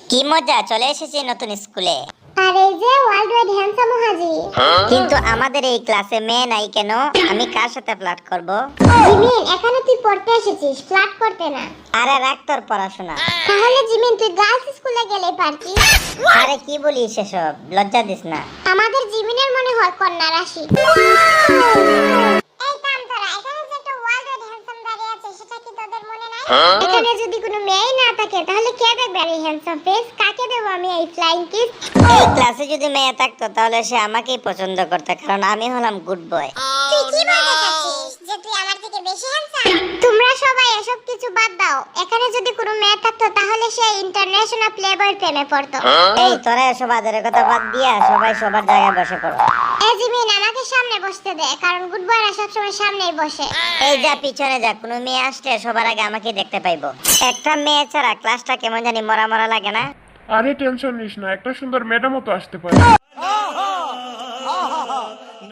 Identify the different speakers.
Speaker 1: কি মজা, চলে এসেছি নতুন স্কুলে।
Speaker 2: আর এই যে ওয়ার্ল্ড ওয়াইড হ্যান্ডসাম হাজির।
Speaker 1: কিন্তু আমাদের এই ক্লাসে মেয়ে নাই কেন? আমি কার সাথে ফ্লার্ট করব?
Speaker 2: জিমিন, এখানে তুই পড়তে এসেছিস, ফ্ল্যাট করতে না।
Speaker 1: আরে রাখ তোর পড়াশোনা।
Speaker 2: তাহলে জিমিন তুই গার্লস স্কুলে গেলেই পারতিস।
Speaker 1: আরে কি বলিস এসব, লজ্জা দিস না।
Speaker 2: আমাদের জিমিনের মনে হয় কন্যা রাশি। এই কাম তোরা, এখানে যে একটা ওয়ার্ল্ড ওয়াইড হ্যান্ডসাম দাঁড়িয়ে আছে সেটা কি তোদের মনে নাই? এখানে যদি কোনো মেয়ে না থাকে তাহলে কে দেখবে এই হ্যান্ডসাম ফেস? কাকে দেব আমি এই ফ্লাইং কিস?
Speaker 1: এই ক্লাসে যদি মেয়ে থাকতো তাহলে সে আমাকেই পছন্দ করতো, কারণ আমি হলাম গুড বয়।
Speaker 2: তুই কি বলতে চাচ্ছিস যে তুই আমার থেকে বেশি হ্যান্ডসাম? তোমরা সবাই এসব কিছু বাদ দাও। এখানে যদি কোনো মেয়ে থাকতো তাহলে সে ইন্টারন্যাশনাল প্লেবয়ের প্রেমে পড়তো।
Speaker 1: এই তোরা এসব আদরের কথা বাদ দিয়া সবাই সবার জায়গায় বসে পড়ো।
Speaker 2: এই জিমিন, আমাকে সামনে বসতে দে, কারণ গুড বয়রা সবসময় সামনেই বসে।
Speaker 1: এই যা পিছনে যা, কোনো মেয়ে আসলে সবার আগে আমাকে দেখতে পাইবো। একটা মেয়ে ছাড়া ক্লাসটা কেমন জানি মরা মরা লাগে না?
Speaker 3: আরে টেনশন নিস না, একটা সুন্দর ম্যাডামও তো আসতে পারে।